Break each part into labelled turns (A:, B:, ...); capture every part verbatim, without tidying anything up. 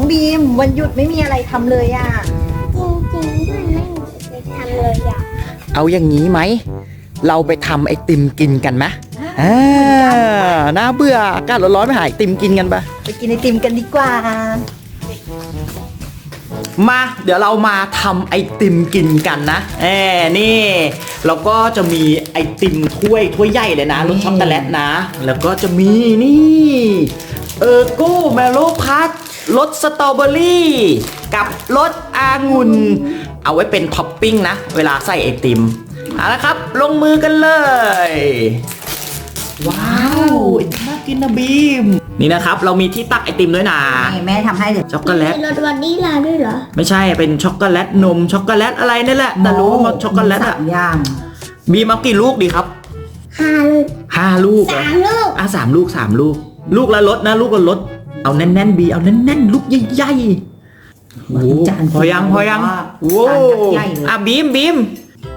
A: บีมวันหยุดไม่มีอะไรทำเลยอ่ะ
B: จริงๆมันไม่ได้ทำเลยอ่ะ
C: เอาอย่างนี้ไหมเราไปทำไอติมกินกันไหมอ่าน่าเบื่ออากาศร้อนๆไปหาไอติมกินกันปะ
A: ไปกินไอติมกันดีกว่า
C: มาเดี๋ยวเรามาทำไอติมกินกันนะเอ้นี่เราก็จะมีไอติมถ้วยถ้วยใหญ่เลยนะรสช็อกโกแลตนะแล้วก็จะมีนี่เออร์โก้แมโลพัทรสสตรอเบอรี่กับรสองุ่นเอาไว้เป็นท็อปปิ้งนะเวลาใส่ไอติมเอาละครับลงมือกันเลยว้าวไอติมน่ากินนะบีมนี่นะครับเรามีที่ตักไอติมด้วยนะ
A: นี่แม่ทำให้เดี๋ยว
C: ช็อกโกแลต
B: มีรสวานิลาด้วยเหรอ
C: ไม่ใช่เป็นช็อกโกแลตนมช็อกโกแลตอะไรนี่แหละแต่รู้ว่าช็อกโกแลต
A: สา
C: อะ
A: มอย่าง
C: บีมเอากี่ลูกดีครับ
B: ห้าลูก
C: ห้าลูกเหรอ
B: สามลูก
C: อ่ะสามลูกสามลูก ลูกละรสนะลูกละรสเอาแน่นๆบีเอาแน่นๆลูกใหญ่ๆโอ้โหพอยังพอยังโว้อ่ะบีมบีม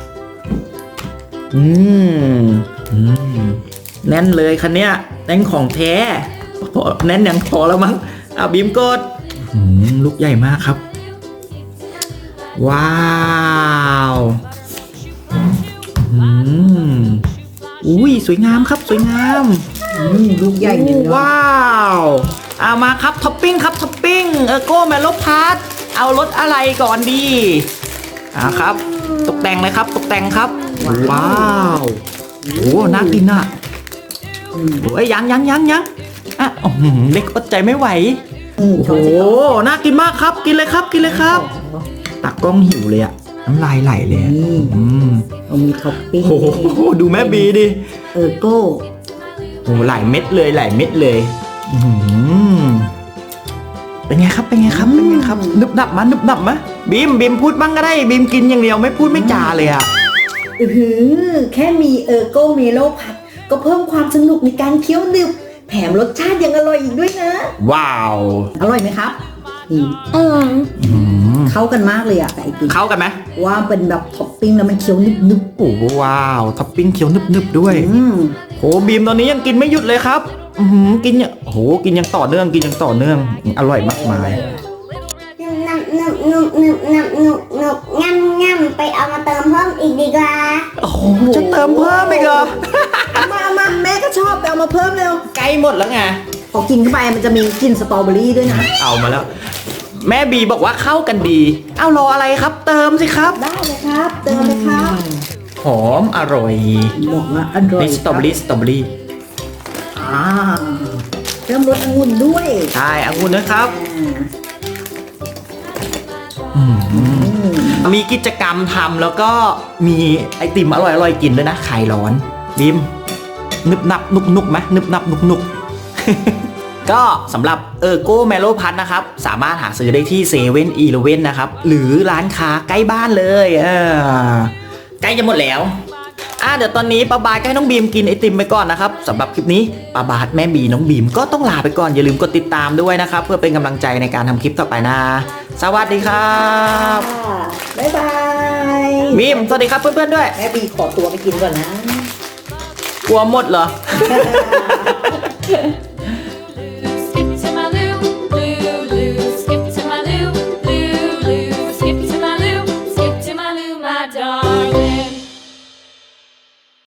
C: อืมอืมแน่นเลยคันเนี้ยแน่นของแท้พอแน่นยังพอแล้วมั้งอ่ะบีมกดอืมลูกใหญ่มากครับ ว้าวอืมอุ้ยสวยงามครับสวยงาม
A: อืมลูกใหญ่เลย
C: ว้าวเอามาครับท็อปปิ้งครับท็อปปิ้งเออโก้แมโลพาร์ทเอารสอะไรก่อนดีอ่าครับ ตกแต่งเลยครับตกแต่งครับว้าวโอ้น่ากินอ่ะโอ้ยยังยังยังยังอ่ะอื้อหือเด็กอดใจไม่ไหว
A: อืม
C: โอ้โหน่ากินมากครับกินเลยครับกินเลยครับตักกล้องหิวเลยอะน้ำลายไหลเลยอะ
A: นี่
C: อืม
A: เรามีท็อปปิ้ง
C: โอ้โหดูแม่บีดิ
A: เออร์โก้
C: โอ้หลายเม็ดเลยหลายเม็ดเลยอื้อหือเป็นไงครับเป็นไงครับเป็นไงครับนึบหนับมานึบหนับมะบีมบีมพูดบ้างก็ได้บีมกินอย่างเดียวไม่พูดไม่จาเลยอะ
A: อือหือแค่มีเออร์โก้เมโลพัดก็เพิ่มความสนุกในการเคี้ยวดึบแถมรสชาติยังอร่อยอีกด้วยนะ
C: ว้าว
A: อร่อยไหมครับนี่
B: อร่อย
C: อื้อหือ
A: เข้ากันมากเลยอะกับไอติม
C: เข้ากันไหม
A: ว่าเป็นแบบท็อปปิ้งแล้วมันเคี้ยวนึบ
C: โอ้ว้าวท็อปปิ้งเคี้ยวนึบๆด้วย
A: ๆอืม
C: โหบีมตอนนี้ยังกินไม่หยุดเลยครับอือหือกินเนี่ยโหกินยังต่อเนื่องกินยังต่อเนื่องอร่อยมากมาย
B: นุบนุบนุบนุบนุบนุบนุบง่ำง่ำไปเอามาเติมเพิ่มอีกดีกว่า
C: โอ้โหจะเติมเพิ่มอีกเหรอ
A: เอามาเอามาแม่ก็ชอบไปเอามาเพิ่มเร็ว
C: ใกล้หมดแล้วไง
A: พอกินเข้าไปมันจะมีกลิ่นสตรอเบอรี่ด้วยนะ
C: เอามาแล้ว แม่บีบอกว่าเข้ากันดี เอารออะไรครับ เติมสิครับ
A: ได้เลยครับ เติมเลยครับ
C: หอมอร่อย
A: บอกว่าอร่อย
C: นี่สตรอเบอรี่สตรอเบอรี่
A: อ่าเริ่มรสองุ่นด้วย
C: ใช่องุ่นนะครับ
A: อ่า
C: อืมมีกิจกรรมทำแล้วก็มีไอติมอร่อยอร่อยกินด้วยนะคลายร้อนบีมนึบนับนุกนุกไหมนึบนับนุกนุก ก็สำหรับเออร์โก้แมโลพัทนะครับสามารถหาซื้อได้ที่เซเว่นอีเลเว่นนะครับหรือร้านค้าใกล้บ้านเลยเออใกล้จะหมดแล้วอ่ะเดี๋ยวตอนนี้ป้าบาทก็ให้น้องบีมกินไอติมไปก่อนนะครับสำหรับคลิปนี้ป้าบาทแม่บีน้องบีมก็ต้องลาไปก่อนอย่าลืมกดติดตามด้วยนะครับเพื่อเป็นกำลังใจในการทำคลิปต่อไปนะสวัสดีครับ
A: บ๊ายบาย
C: บีมสวัสดีครับเพื่อนๆด้วย
A: แม่บีขอตัวไปกินก่อนนะ
C: กลัวหมดเหรอ